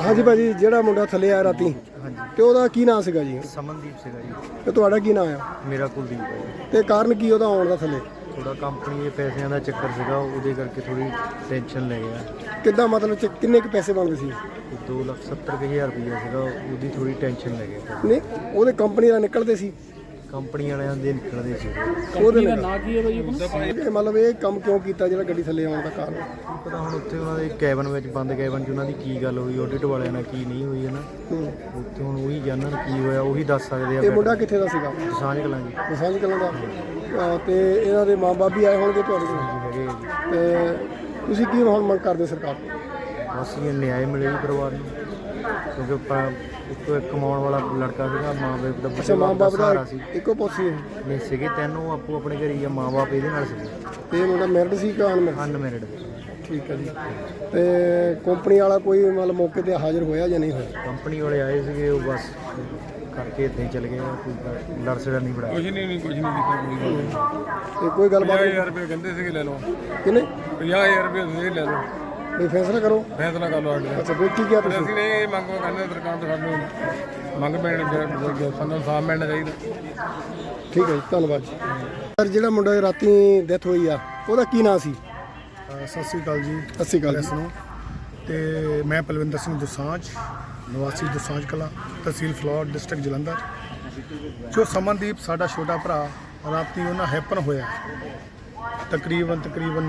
ਹਾਂਜੀ ਭਾਜੀ, ਜਿਹੜਾ ਮੁੰਡਾ ਥੱਲੇ ਆਇਆ ਰਾਤੀ ਤੇ ਉਹਦਾ ਕੀ ਨਾਂ ਸੀਗਾ ਜੀ? ਸਮਨਦੀਪ ਸੀਗਾ ਜੀ। ਤੇ ਤੁਹਾਡਾ ਕੀ ਨਾਂ ਆ? ਮੇਰਾ ਕੁਲਦੀਪ ਹੈ ਜੀ। ਤੇ ਕਾਰਨ ਕੀ ਉਹਦਾ ਆਉਣ ਦਾ ਥੱਲੇ? ਥੋੜਾ ਕੰਪਨੀ ਦੇ ਪੈਸਿਆਂ ਦਾ ਚੱਕਰ ਸੀਗਾ, ਉਹਦੇ ਕਰਕੇ ਥੋੜੀ ਟੈਨਸ਼ਨ ਲੈ ਗਿਆ। ਕਿੱਦਾਂ ਮਤਲਬ ਕਿੰਨੇ ਕੁ ਪੈਸੇ ਬਣਦੇ ਸੀ? 2,70,000 ਰੁਪਈਆ ਸੀਗਾ, ਉਹਦੀ ਥੋੜੀ ਟੈਨਸ਼ਨ ਲੈ ਗਿਆ। ਨਹੀਂ, ਉਹਦੇ ਕੰਪਨੀ ਦਾ ਨਿਕਲਦੇ ਸੀ? ਕੰਪਨੀ ਵਾਲਿਆਂ ਦੇ ਨਿਕਲਦੇ ਸੀ। ਉਹਦੇ ਦਾ ਨਾਂ ਕੀ ਹੈ ਭਾਜੀ? ਮਤਲਬ ਇਹ ਕੰਮ ਕਿਉਂ ਕੀਤਾ ਜਿਹੜਾ ਗੱਡੀ ਥੱਲੇ ਆਉਣ ਦਾ ਕਾਰਨ? ਪਤਾ ਹੁਣ ਉੱਥੇ ਉਹਨਾਂ ਦੇ ਕੈਬਨ ਵਿੱਚ ਬੰਦ ਕੈਬਨ 'ਚ ਉਹਨਾਂ ਦੀ ਕੀ ਗੱਲ ਹੋਈ, ਆਡਿਟ ਵਾਲਿਆਂ ਨਾਲ ਕੀ ਨਹੀਂ ਹੋਈ ਹੈ ਨਾ, ਉੱਥੇ ਹੁਣ ਉਹੀ ਜਾਣਨ ਕੀ ਹੋਇਆ, ਉਹੀ ਦੱਸ ਸਕਦੇ ਆ। ਇਹ ਮੁੰਡਾ ਕਿੱਥੇ ਦਾ ਸੀਗਾ? ਦਸਾਂਝ ਕਲਾਂ ਜੀ। ਦਸਾਂਝ ਕਲਾਂ ਦਾ। ਤੇ ਇਹਨਾਂ ਦੇ ਮਾਂ-ਬਾਪ ਵੀ ਆਏ ਹੋਣਗੇ ਤੁਹਾਡੇ ਕੋਲ? ਹੈਗੇ ਜੀ। ਤੇ ਤੁਸੀਂ ਕੀ ਹੁਣ ਮੰਗ ਕਰਦੇ ਸਰਕਾਰ ਤੋਂ? ਬਸ ਇਹ ਨਿਆਂ ਮਿਲੇ ਜੀ ਪਰਿਵਾਰ ਨੂੰ, ਕਿਉਂਕਿ ਇੱਕੋ ਇੱਕ ਕਮਾਉਣ ਵਾਲਾ ਲੜਕਾ ਸੀਗਾ, ਮਾਂ-ਬਾਪ ਦਾ ਅੱਛਾ, ਮਾਂ-ਬਾਪ ਸਹਾਰਾ ਦਾ ਸੀ। ਇੱਕੋ ਪੁੱਤ ਸੀ? ਨਹੀਂ ਸੀਗੇ ਤੈਨੂੰ ਆਪੋ ਆਪਣੇ ਘਰ ਹੀ ਆ, ਮਾਂ-ਬਾਪ ਇਹਦੇ ਨਾਲ ਸੀਗੇ। ਤੇ ਇਹ ਮੁੰਡਾ ਮੈਰਿਡ ਸੀ ਕਿ ਅਨਮੈਰਿਡ? ਅਨਮੈਰਿਡ। ਠੀਕ ਹੈ ਜੀ। ਤੇ ਕੰਪਨੀ ਵਾਲਾ ਕੋਈ ਮਤਲਬ ਮੌਕੇ ਤੇ ਹਾਜ਼ਰ ਹੋਇਆ ਜਾਂ ਨਹੀਂ ਹੋਇਆ? ਕੰਪਨੀ ਵਾਲੇ ਆਏ ਸੀਗੇ, ਉਹ ਬਸ ਕਰਕੇ ਇੱਦਾਂ ਹੀ ਚਲੇ ਗਏ। ਕੋਈ ਲੜ ਸੜਾ ਨਹੀਂ ਬੜਾ। ਕੁਝ ਨਹੀਂ ਕੀਤਾ ਕੋਈ ਗੱਲ। ਤੇ ਕੋਈ ਗੱਲਬਾਤ? 50,000 ਰੁਪਏ ਕਹਿੰਦੇ ਸੀਗੇ ਲੈ ਲਓ। ਕਿੰਨੇ? 50,000 ਰੁਪਏ ਤੁਸੀਂ ਲੈ ਲਓ, ਕੋਈ ਫੈਸਲਾ ਕਰੋ। ਫੈਸਲਾ ਕਰ ਲਓ ਸਾਡੇ। ਅੱਛਾ, ਕੋਈ ਕੀ ਕਿਹਾ ਪਰ ਤੁਸੀਂ? ਅਸੀਂ ਨਹੀਂ ਇਹ ਮੰਗ ਕਰਦੇ ਸਰਕਾਰ ਤੋਂ, ਸਾਨੂੰ ਮੰਗ ਪੈਣ ਸਾਨੂੰ ਸਾਹ ਮਿਲਣਾ ਚਾਹੀਦਾ। ਠੀਕ ਹੈ ਜੀ, ਧੰਨਵਾਦ ਜੀ। ਸਰ, ਜਿਹੜਾ ਮੁੰਡਾ ਦੀ ਰਾਤੀ ਡੈਥ ਹੋਈ ਆ, ਉਹਦਾ ਕੀ ਨਾਂ ਸੀ? ਸਤਿ ਸ਼੍ਰੀ ਅਕਾਲ ਜੀ। ਸਤਿ ਸ਼੍ਰੀ ਅਕਾਲ ਜੀ। ਤੇ ਮੈਂ ਪਲਵਿੰਦਰ ਸਿੰਘ ਦੁਸਾਂਝ, ਨਿਵਾਸੀ ਦੁਸਾਂਝ ਕਲਾਂ, ਤਹਿਸੀਲ ਫਲੌਰ, ਡਿਸਟ੍ਰਿਕਟ ਜਲੰਧਰ। ਜੋ ਸਮਨਦੀਪ ਸਾਡਾ ਛੋਟਾ ਭਰਾ ਰਾਤੀ ਉਹਨਾਂ ਹੈਪਨ ਹੋਇਆ, ਤਕਰੀਬਨ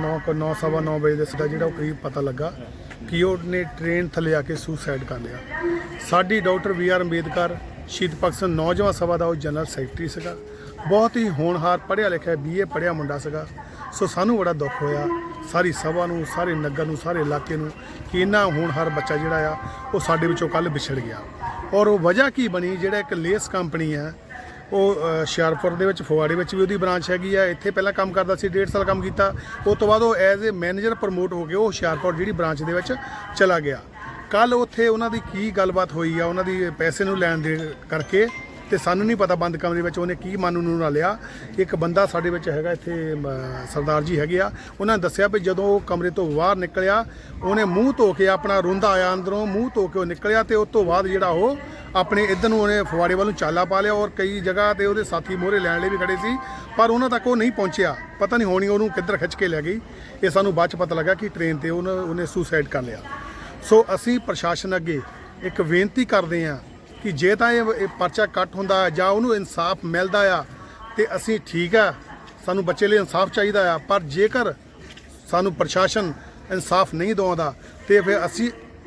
9:15 ਵਜੇ ਦੇ ਸਿੱਧਾ ਜਿਹੜਾ ਉਹ ਕਰੀਬ ਪਤਾ ਲੱਗਾ ਕਿ ਉਹਨੇ ਟ੍ਰੇਨ ਥੱਲੇ ਆ ਕੇ ਸੁਸਾਈਡ ਕਰ ਲਿਆ। ਸਾਡੀ ਡਾਕਟਰ B.R. ਅੰਬੇਦਕਰ ਸ਼ਹੀਦ ਭਗਤ ਸਿੰਘ ਨੌਜਵਾਨ ਸਭਾ ਦਾ ਉਹ ਜਨਰਲ ਸੈਕਟਰੀ ਸੀਗਾ, ਬਹੁਤ ਹੀ ਹੋਣਹਾਰ ਪੜ੍ਹਿਆ ਲਿਖਿਆ BA ਪੜ੍ਹਿਆ ਮੁੰਡਾ ਸੀਗਾ। ਸੋ ਸਾਨੂੰ ਬੜਾ ਦੁੱਖ ਹੋਇਆ, ਸਾਰੀ ਸਭਾ ਨੂੰ, ਸਾਰੇ ਨਗਰ ਨੂੰ, ਸਾਰੇ ਇਲਾਕੇ ਨੂੰ, ਕਿ ਇੰਨਾ ਹੋਣਹਾਰ ਬੱਚਾ ਜਿਹੜਾ ਆ ਉਹ ਸਾਡੇ ਵਿੱਚੋਂ ਕੱਲ੍ਹ ਵਿਛੜ ਗਿਆ। ਔਰ ਉਹ ਵਜ੍ਹਾ ਕੀ ਬਣੀ? ਜਿਹੜਾ ਇੱਕ ਲੇਸ ਕੰਪਨੀ ਆ, ਉਹ ਹੁਸ਼ਿਆਰਪੁਰ ਦੇ ਵਿੱਚ, ਫਗਵਾੜੇ ਵਿੱਚ ਵੀ ਉਹਦੀ ਬ੍ਰਾਂਚ ਹੈਗੀ ਆ। ਇੱਥੇ ਪਹਿਲਾਂ ਕੰਮ ਕਰਦਾ ਸੀ, 1.5 ਸਾਲ ਕੰਮ ਕੀਤਾ। ਉਸ ਤੋਂ ਬਾਅਦ ਉਹ ਐਜ਼ ਏ ਮੈਨੇਜਰ ਪ੍ਰਮੋਟ ਹੋ ਕੇ ਉਹ ਹੁਸ਼ਿਆਰਪੁਰ ਜਿਹੜੀ ਬ੍ਰਾਂਚ ਦੇ ਵਿੱਚ ਚਲਾ ਗਿਆ। ਕੱਲ੍ਹ ਉੱਥੇ ਉਹਨਾਂ ਦੀ ਕੀ ਗੱਲਬਾਤ ਹੋਈ ਆ, ਉਹਨਾਂ ਦੀ ਪੈਸੇ ਨੂੰ ਲੈਣ ਦੇ ਕਰਕੇ, ਤੇ ਸਾਨੂੰ ਨਹੀਂ ਪਤਾ ਬੰਦ ਕਮਰੇ ਵਿੱਚ ਉਹਨੇ ਕੀ ਮਨ ਨੂੰ ਨਾ ਲਿਆ। ਇੱਕ ਬੰਦਾ ਸਾਡੇ ਵਿੱਚ ਹੈਗਾ ਇੱਥੇ, ਸਰਦਾਰ ਜੀ ਹੈਗੇ ਆ, ਉਹਨਾਂ ਨੇ ਦੱਸਿਆ ਵੀ ਜਦੋਂ ਉਹ ਕਮਰੇ ਤੋਂ ਬਾਹਰ ਨਿਕਲਿਆ, ਉਹਨੇ ਮੂੰਹ ਧੋ ਕੇ ਆਪਣਾ ਰੋਂਦਾ ਆਇਆ ਅੰਦਰੋਂ, ਮੂੰਹ ਧੋ ਕੇ ਉਹ ਨਿਕਲਿਆ। ਤੇ ਉਸ ਤੋਂ ਬਾਅਦ ਜਿਹੜਾ ਉਹ ਆਪਣੇ ਇੱਧਰ ਨੂੰ ਉਹਨੇ ਫਗਵਾੜੇ ਵੱਲ ਨੂੰ ਚਾਲਾ ਪਾ ਲਿਆ। ਔਰ ਕਈ ਜਗ੍ਹਾ ਤੇ ਉਹਦੇ ਸਾਥੀ ਮੋਹਰੇ ਲੈਣ ਲਈ ਵੀ ਖੜੇ ਸੀ, ਪਰ ਉਹਨਾਂ ਤੱਕ ਉਹ ਨਹੀਂ ਪਹੁੰਚਿਆ। ਪਤਾ ਨਹੀਂ ਹੋਣੀ ਉਹਨੂੰ ਕਿੱਧਰ ਖਿੱਚ ਕੇ ਲੈ ਗਈ। ਇਹ ਸਾਨੂੰ ਬਾਅਦ 'ਚ ਪਤਾ ਲੱਗਾ ਕਿ ਟ੍ਰੇਨ ਤੇ ਉਹਨੇ ਸੁਸਾਈਡ ਕਰ ਲਿਆ। ਸੋ ਅਸੀਂ ਪ੍ਰਸ਼ਾਸਨ ਅੱਗੇ ਇੱਕ ਬੇਨਤੀ ਕਰਦੇ ਹਾਂ ਕਿ ਜੇ ਤਾਂ ਇਹ ਪਰਚਾ ਕੱਟ ਹੁੰਦਾ ਜਾਂ ਉਹਨੂੰ ਇਨਸਾਫ ਮਿਲਦਾ ਆ ਤੇ ਅਸੀਂ ਠੀਕ ਆ, ਸਾਨੂੰ ਬੱਚੇ ਲਈ ਇਨਸਾਫ ਚਾਹੀਦਾ ਆ। ਪਰ ਜੇਕਰ ਸਾਨੂੰ ਪ੍ਰਸ਼ਾਸਨ ਇਨਸਾਫ ਨਹੀਂ ਦਿਵਾਉਂਦਾ ਤੇ ਫਿਰ ਅਸੀਂ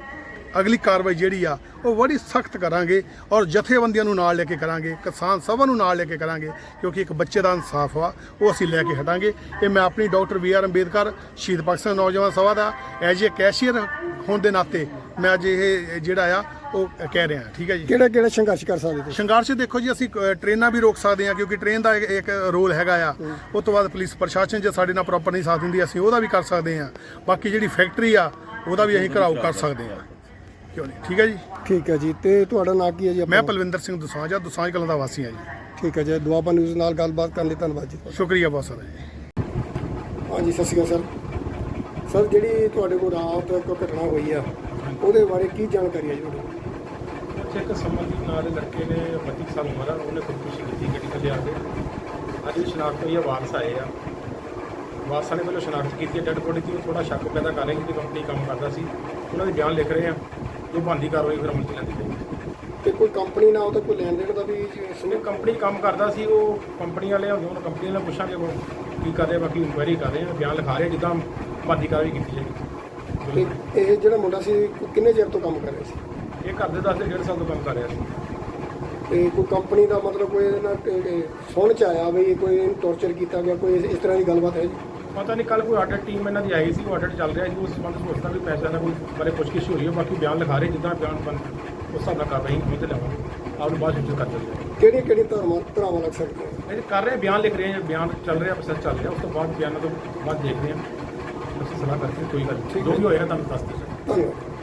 ਅਗਲੀ ਕਾਰਵਾਈ ਜਿਹੜੀ ਆ ਉਹ ਬੜੀ ਸਖਤ ਕਰਾਂਗੇ, ਔਰ ਜਥੇਬੰਦੀਆਂ ਨੂੰ ਨਾਲ ਲੈ ਕੇ ਕਰਾਂਗੇ, ਕਿਸਾਨ ਸਭਾ ਨੂੰ ਨਾਲ ਲੈ ਕੇ ਕਰਾਂਗੇ, ਕਿਉਂਕਿ ਇੱਕ ਬੱਚੇ ਦਾ ਇਨਸਾਫ ਆ ਉਹ ਅਸੀਂ ਲੈ ਕੇ ਹਟਾਂਗੇ। ਇਹ ਮੈਂ ਆਪਣੀ ਡਾਕਟਰ B.R. ਅੰਬੇਦਕਰ ਸ਼ਹੀਦ ਭਗਤ ਸਿੰਘ ਨੌਜਵਾਨ ਸਭਾ ਦਾ ਐਜ ਏ ਕੈਸ਼ੀਅਰ ਹੋਣ ਦੇ ਨਾਤੇ ਮੈਂ ਅੱਜ ਇਹ ਜਿਹੜਾ ਆ ਉਹ ਕਹਿ ਰਿਹਾ। ਠੀਕ ਹੈ ਜੀ। ਕਿਹੜਾ ਸੰਘਰਸ਼ ਕਰ ਸਕਦੇ ਤੁਸੀਂ? ਸੰਘਰਸ਼ ਦੇਖੋ ਜੀ, ਅਸੀਂ ਟ੍ਰੇਨਾਂ ਵੀ ਰੋਕ ਸਕਦੇ ਹਾਂ, ਕਿਉਂਕਿ ਟ੍ਰੇਨ ਦਾ ਇੱਕ ਰੋਲ ਹੈਗਾ ਆ। ਉਸ ਤੋਂ ਬਾਅਦ ਪੁਲਿਸ ਪ੍ਰਸ਼ਾਸਨ ਜੇ ਸਾਡੇ ਨਾਲ ਪ੍ਰੋਪਰ ਨਹੀਂ ਸਾਥ ਦਿੰਦੀ, ਅਸੀਂ ਉਹਦਾ ਵੀ ਕਰ ਸਕਦੇ ਹਾਂ। ਬਾਕੀ ਜਿਹੜੀ ਫੈਕਟਰੀ ਆ ਉਹਦਾ ਵੀ ਅਸੀਂ ਘਰਾਓ ਕਰ ਸਕਦੇ ਹਾਂ, ਕਿਉਂ ਨਹੀਂ? ਠੀਕ ਹੈ ਜੀ। ਠੀਕ ਹੈ ਜੀ। ਤੇ ਤੁਹਾਡਾ ਨਾਂ ਕੀ ਹੈ ਜੀ? ਮੈਂ ਪਲਵਿੰਦਰ ਸਿੰਘ ਦੁਸਾਂਝ ਆ, ਦੁਸਾਂਝ ਕਲਾਂ ਦਾ ਵਾਸੀ ਹਾਂ ਜੀ। ਠੀਕ ਹੈ ਜੀ। ਦੁਆਬਾ ਨਿਊਜ਼ ਨਾਲ ਗੱਲਬਾਤ ਕਰਨ ਲਈ ਧੰਨਵਾਦ ਜੀ। ਸ਼ੁਕਰੀਆ ਬਹੁਤ ਸਾਰਾ ਜੀ। ਹਾਂਜੀ, ਸਤਿ ਸ਼੍ਰੀ ਅਕਾਲ ਸਰ। ਸਰ, ਜਿਹੜੀ ਤੁਹਾਡੇ ਕੋਲ ਰਾਤ ਇੱਕ ਘਟਨਾ ਹੋਈ ਆ, ਉਹਦੇ ਬਾਰੇ ਕੀ ਜਾਣਕਾਰੀ ਹੈ ਜੀ ਤੁਹਾਡੇ ਕੋਲ? ਇੱਕ ਸਮਨਦੀਪ ਨਾਂ ਦੇ ਲੜਕੇ ਨੇ 32 ਸਾਲ ਉਮਰ ਆ, ਉਹਨੇ ਖੁਦਕੁਸ਼ੀ ਕੀਤੀ ਗੱਡੀ ਥੱਲੇ ਆ ਕੇ। ਅੱਜ ਵੀ ਸ਼ਨਾਖਤ ਹੋਈ ਆ, ਵਾਰਸ ਆਏ ਆ। ਵਾਰਸਾਂ ਨੇ ਪਹਿਲਾਂ ਸ਼ਨਾਖਤ ਕੀਤੀ ਡੈਡ ਬੋਡੀ ਦੀ। ਉਹ ਥੋੜਾ ਸ਼ੱਕ ਪੈਦਾ ਕਰ ਰਹੇ ਕਿ ਕੰਪਨੀ ਕੰਮ ਕਰਦਾ ਸੀ, ਉਹਨਾਂ ਦੇ ਬਿਆਨ ਲਿਖ ਰਹੇ ਆ, ਜੋ ਬਣਦੀ ਕਾਰਵਾਈ ਫਿਰ ਅਮਲ 'ਚ ਲੈਂਦੀ ਪਈ। ਤੇ ਕੋਈ ਕੰਪਨੀ ਨਾਲ ਉਹਦਾ ਕੋਈ ਲੈਣ ਦੇਣ ਦਾ ਵੀ? ਜਿਵੇਂ ਕੰਪਨੀ ਕੰਮ ਕਰਦਾ ਸੀ, ਉਹ ਕੰਪਨੀ ਵਾਲੇ ਹੁੰਦੇ, ਉਹਨਾਂ ਕੰਪਨੀ ਨਾਲ ਪੁੱਛਾਂਗੇ ਉਹ ਕੀ ਕਰ ਰਹੇ, ਬਾਕੀ ਇਨਕੁਆਇਰੀ ਕਰ ਰਹੇ ਆ, ਬਿਆਨ ਲਿਖਾ ਰਹੇ ਜਿੱਦਾਂ ਬਣਦੀ ਕਾਰਵਾਈ ਕੀਤੀ ਜਾਏਗੀ। ਤੇ ਇਹ ਜਿਹੜਾ ਮੁੰਡਾ ਸੀ ਕਿੰਨੇ ਚਿਰ ਤੋਂ ਕੰਮ ਕਰ ਰਿਹਾ ਸੀ? ਇਹ ਘਰ ਦੇ 1.5 ਸਾਲ ਤੋਂ ਕੰਮ ਕਰ ਰਿਹਾ ਸੀ। ਤੇ ਕੋਈ ਕੰਪਨੀ ਦਾ ਮਤਲਬ ਕੋਈ ਇਹਦੇ ਨਾਲ ਸੁਣ 'ਚ ਆਇਆ ਵੀ ਕੋਈ ਇਹਨੂੰ ਟੌਰਚਰ ਕੀਤਾ ਗਿਆ, ਕੋਈ ਇਸ ਤਰ੍ਹਾਂ ਦੀ ਗੱਲਬਾਤ ਹੈ ਜੀ? ਪਤਾ ਨਹੀਂ, ਕੱਲ੍ਹ ਕੋਈ ਆਡਿਟ ਟੀਮ ਇਹਨਾਂ ਦੀ ਆਈ ਸੀ, ਉਹ ਆਡਿਟ ਚੱਲ ਰਿਹਾ ਜੀ। ਉਸ ਸੰਬੰਧ ਵਿੱਚ ਉਸਦਾ ਵੀ ਪੈਸਾ ਦਾ ਕੋਈ ਬਾਰੇ ਪੁੱਛਗਿੱਛ ਹੋ ਰਹੀ ਹੈ। ਬਾਕੀ ਬਿਆਨ ਲਿਖਾ ਰਹੇ, ਜਿੱਦਾਂ ਬਿਆਨ ਬਣ ਉਸ ਹਿਸਾਬ ਨਾਲ ਕਾਰਵਾਈ ਹੋਈ ਤੇ ਲਵਾਂਗੇ। ਆਪ ਨੂੰ ਬਾਅਦ ਵਿੱਚ ਕਰ ਦਿੰਦੇ ਕਿਹੜੀ ਧਾਰਾਵਾਂ ਲੱਗ ਸਕਦੀਆਂ? ਇਹ ਕਰ ਰਹੇ ਬਿਆਨ ਲਿਖ ਰਹੇ ਹਾਂ, ਬਿਆਨ ਚੱਲ ਰਿਹਾ, ਪ੍ਰੋਸੈਸ ਚੱਲ ਰਿਹਾ। ਉਸ ਤੋਂ ਬਾਅਦ ਬਿਆਨਾਂ ਤੋਂ ਬਾਅਦ ਦੇਖਦੇ ਹਾਂ, ਅਸੀਂ ਸਲਾਹ ਕਰਕੇ ਕੋਈ ਗੱਲ ਨਹੀਂ, ਜੋ ਵੀ ਹੋਏਗਾ ਤੁਹਾਨੂੰ ਦੱਸ ਦਿਓ। ਧੰਨਵਾਦ।